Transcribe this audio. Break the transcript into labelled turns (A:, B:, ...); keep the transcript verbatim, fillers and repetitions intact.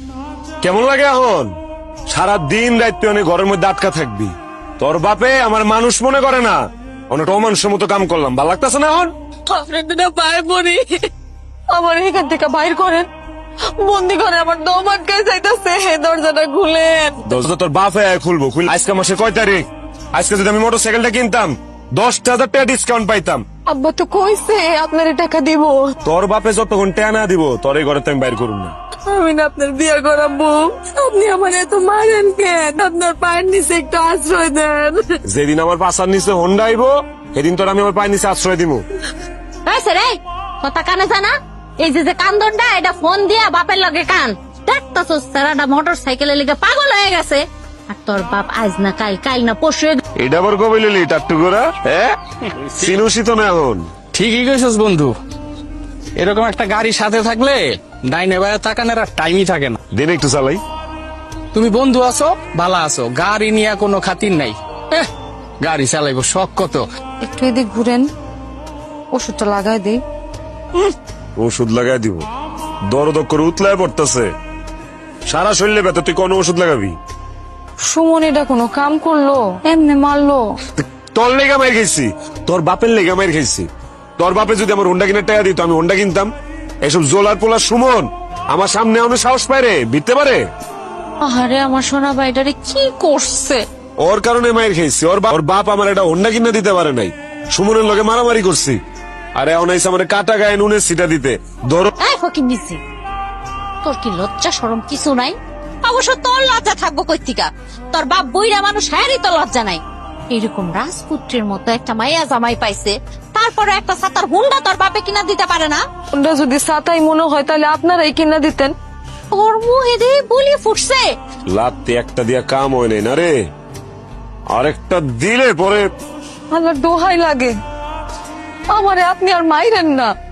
A: কেমন লাগে এখন? সারা দিন রাত তুই অনেক ঘরের মধ্যে আটকা থাকবি। তোর বাপে আমার মানুষ মনে করে না, অনেকটা অমানুষের মতো কাম করলাম। ভালো লাগতেছে না এখন?
B: আপনার ভাই বোনি আমার এখান থেকে বাইর করেন, বন্দি করে আমার দম আটকায় যাইতেছে, দরজাটা খুলেন।
A: দরজা তোর বাপে খুলবো। খুল আজকে মাসে কয় তারিখ? আজকে যদি আমি মোটর সাইকেলটা কিনতাম দশটা হাজার টাকা ডিসকাউন্ট পাইতাম।
B: আব্বা তো কইছে আপনার টাকা দিব।
A: তোর বাপে যতক্ষণ টাকা না দিব তোর এই ঘরে তো আমি বাইর করুন না।
B: আমি না আপনার বিয়ে করাবো, আপনি আমার এত মারেন কেন? আপনার পায়ের নিচে একটু আশ্রয় দেন।
A: যেদিন আমার পাশার নিচে হোন্ডা আইবো সেদিন তোর আমি আমার পায়ের নিচে আশ্রয় দিব।
C: রে কথা কানে জানা, এই যে যে কান্দনটা এটা ফোন দিয়া বাপের লগে কান দেখতাছো, সারাটা মোটর সাইকেলের লিগে পাগল হয়ে গেছে। আর তোর বাপ আজ না কাল, কাল না পরশু।
A: এটা আবার কবে লিলি টাট্টু করা? হ্যাঁ সিনুসি তো না এখন।
D: ঠিকই কইছস বন্ধু, এরকম একটা গাড়ি সাথে থাকলে ডাইনে বাইরে তাকানোর আর টাইমই থাকে না।
A: দিন একটু চালাই।
D: তুমি বন্ধু আছো, ভালো আছো, গাড়ি নিয়ে কোনো খাতির নাই। এহ, গাড়ি চালাইবো শখ কত।
B: একটু এদিক ঘুরেন, ওষুধটা লাগাই দেই।
A: ওষুধ লাগাই দিব? দরদ করে উতলায় পড়তেছে, সারা শরীরে ব্যথা, তুই কোন ওষুধ লাগাবি?
B: সুমন এটা কোনো কাম করলো? এমনি মারলো?
A: তোর লেগা মার খাইছি, তোর বাপের লেগা মার খাইছি। তোর বাপে যদি আমার হোন্ডা কিনে টাকা দিত আমি হোন্ডা কিনতাম। এসব জোলার পোলা সুমন আমার সামনে অনেক সাহস পায় রে, বিতে পারে।
B: আরে আমার সোনা ভাইটারে কি করছে?
A: ওর কারণে মায়ের খাইছি। ওর বাপ ওর বাপ আমার একটা হোন্ডা কিনে দিতে পারে নাই, সুমনের লগে মারামারি করছি। আরে এখন আইসা আমার কাটা গায়ে নুনের সিটা দিতে। ধরো
C: এই ফকির নিছি, তোর কি লজ্জা শরম কিছু নাই? অবশ্য তোর লজ্জা থাকবো কইতিকা, তোর বাপ বইরা মানুষ, হ্যারই তো লজ্জা নাই। এরকম রাজপুত্রের মতো একটা মাইয়া জামাই পাইছে, তারপরে একটা সাতার হুন্ডা তোর বাপে কিনা দিতে পারে না?
B: ওটা যদি সাতাই মনে হয় তাহলে আপনারাই কিনা দিতেন।
C: ওর মুহে দিয়ে বলি ফুটছে।
A: লাত্তি একটা দিয়া কাম হয় নাই না রে, আরেকটা দিলে পরে
B: আমার দোহাই লাগে, আমারে আপনি আর মাইরেন না।